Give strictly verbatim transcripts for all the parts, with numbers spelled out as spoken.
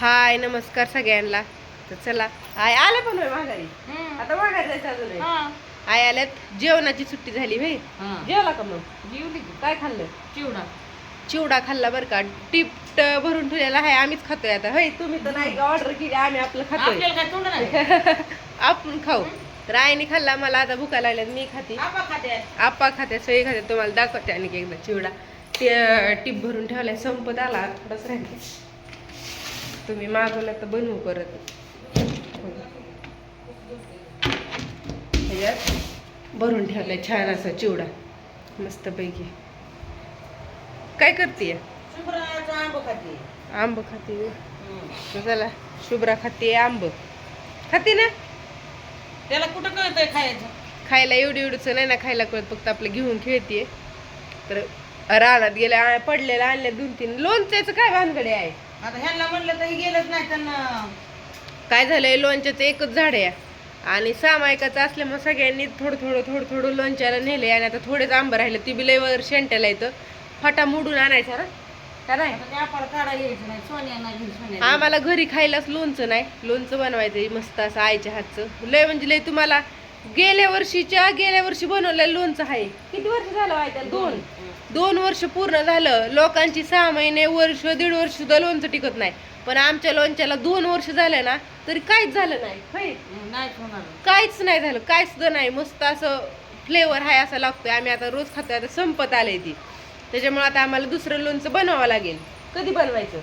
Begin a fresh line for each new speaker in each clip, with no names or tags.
हाय नमस्कार सगळ्यांना. तर चला आय आले पण होय माघारी. आता माघारी जायचं अजून आहे. आय आल्यात जेवणाची सुट्टी झाली भाई. जेवला का मग?
जेवली
काय खाल्लं?
चिवडा
चिवडा खाल्ला बरं का. टिप्ट भरून ठेवलेला आहे, आम्हीच खातोय आता. होय तुम्ही तर नाही ऑर्डर केली, आम्ही आपलं खातोय.
आपल्याला काय तोंड नाही.
आपण खाऊ. तर आईने खाल्ला, मला आता भुका लागल्यात, मी खाते.
आपा खाते
आप्पा खाते, सगळे खाते. तुम्हाला दाखवते आणि एकदा चिवडा ते टिप भरून ठेवलाय, संपत आला थोडंच राहिले. तुम्ही मागवलं तर बनवू परत. ह्याच्यात भरून ठेवलाय छान असा चिवडा मस्त पैकी. काय करते?
शुभ्राचा आंब खाते.
आंब खाते. चला शुभ्रा खाते आंब. खाते ना?
त्याला कुठं कळतंय खायचं?
खायला एवढी एवढंच नाही ना खायला कळत, फक्त आपलं घेऊन खेळते. तर रानात गेल्या पडलेला आणल्या दोन तीन. लोणच्याचं काय भानगडे आहे?
आता ह्यांना म्हणलं तर गेलंच नाही त्यांना.
काय झालंय, लोणच्याचं एकच झाड आहे आणि सामायिकाचं असल्यामुळे सगळ्यांनी थोडं थोडं थोडं थोडं लोणच्याला नेले. आणि आता थोडेच आंबं राहिले, ती बी लय वर शेंट्याला येतं. फाटा मोडून आणायचा ना का नाही?
आता ते आपण काढा घ्यायचं नाही. सोन्या घेऊन सोन्या
आम्हाला घरी खायलाच लोणचं नाही. लोणचं बनवायचं मस्त असं आईच्या हातचं. लय म्हणजे लय. तुम्हाला गेल्या वर्षीच्या गेल्या वर्षी बनवलेलं लोणचं आहे. किती वर्ष झालं आहे त्याला? दोन दोन वर्ष पूर्ण झालं. लोकांची सहा महिने वर्ष दीड वर्ष सुद्धा लोणचं टिकत नाही, पण आमच्या लोणच्याला दोन वर्ष झाले ना तरी काहीच झालं नाही. होय,
नाहीच होणार.
काहीच नाही झालं, काहीच सुद्धा नाही. मस्त असं फ्लेवर आहे असं लागतोय. आम्ही आता रोज खातोय. आता संपत आलंय ती, त्याच्यामुळे आता आम्हाला दुसरं लोणचं बनवावं लागेल. कधी बनवायचं?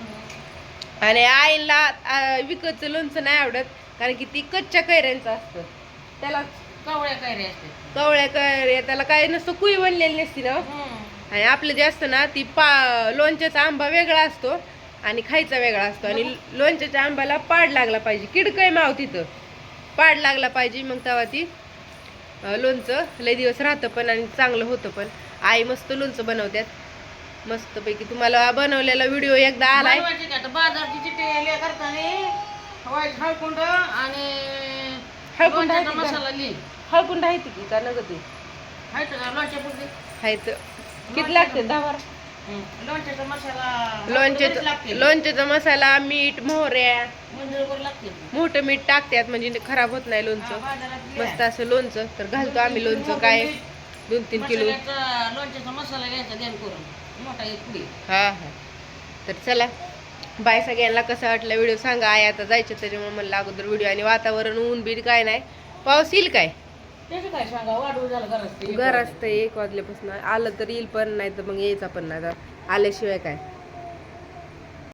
आणि आईला विकतचं लोणचं नाही आवडत, कारण की ती कच्च्या कैऱ्यांचं असतं. त्याला
कवळ्या कैऱ्या असते.
कवळ्या कैऱ्या त्याला काय नसतं, कुई बनलेली नसती ना. आणि आपलं जे असतं ना ती पा लोणच्याचा आंबा वेगळा असतो आणि खायचा वेगळा असतो. आणि लोणच्याच्या आंब्याला पाड लागला पाहिजे, किडकय माव तिथं पाड लागला पाहिजे, मग तेव्हा ती लोणचं लय दिवस राहतं पण आणि चांगलं होतं पण. आई मस्त लोणचं बनवतात मस्तपैकी. तुम्हाला बनवलेला व्हिडिओ एकदा आलाय.
बाजारची चिट्टी करताना वाईट हळकुंड आणि
हळकुंड आहे
लोणच्याचा
ती का?
मसाला लिहि.
हळकुंड आहे ती की का नगद ती
आहे का लोणच्या पुरती?
आहेत. किती लागते? दहा बारा.
लोणच्याचा मसाला
लोणच्याचा
लागते.
लोणच्याचा मसाला, मीठ, मोहऱ्या,
मंजुळभर लागते.
मोठं मीठ टाकतात म्हणजे खराब होत नाही लोणचं. मस्त असं लोणचं तर घालतो आम्ही. लोणचं काय दोन तीन किलो
लोणच्याचा मसाला घ्यायचा ध्यान करून, मोठा एक पुडी.
हा हा. तर चला बाय सगळ्यांना. कसा वाटला व्हिडिओ सांगा. आई आता जायचं त्याच्यामुळे म्हणलं अगोदर व्हिडिओ. आणि वातावरण ऊन बीट काय नाही, पाऊस येईल काय
त्याचं काय सांगा, वाढू झालं घरात.
घर असतं एक वाजल्यापासून. आलं तर येईल पण नाही तर मग यायचा पण नाही. आल्याशिवाय काय.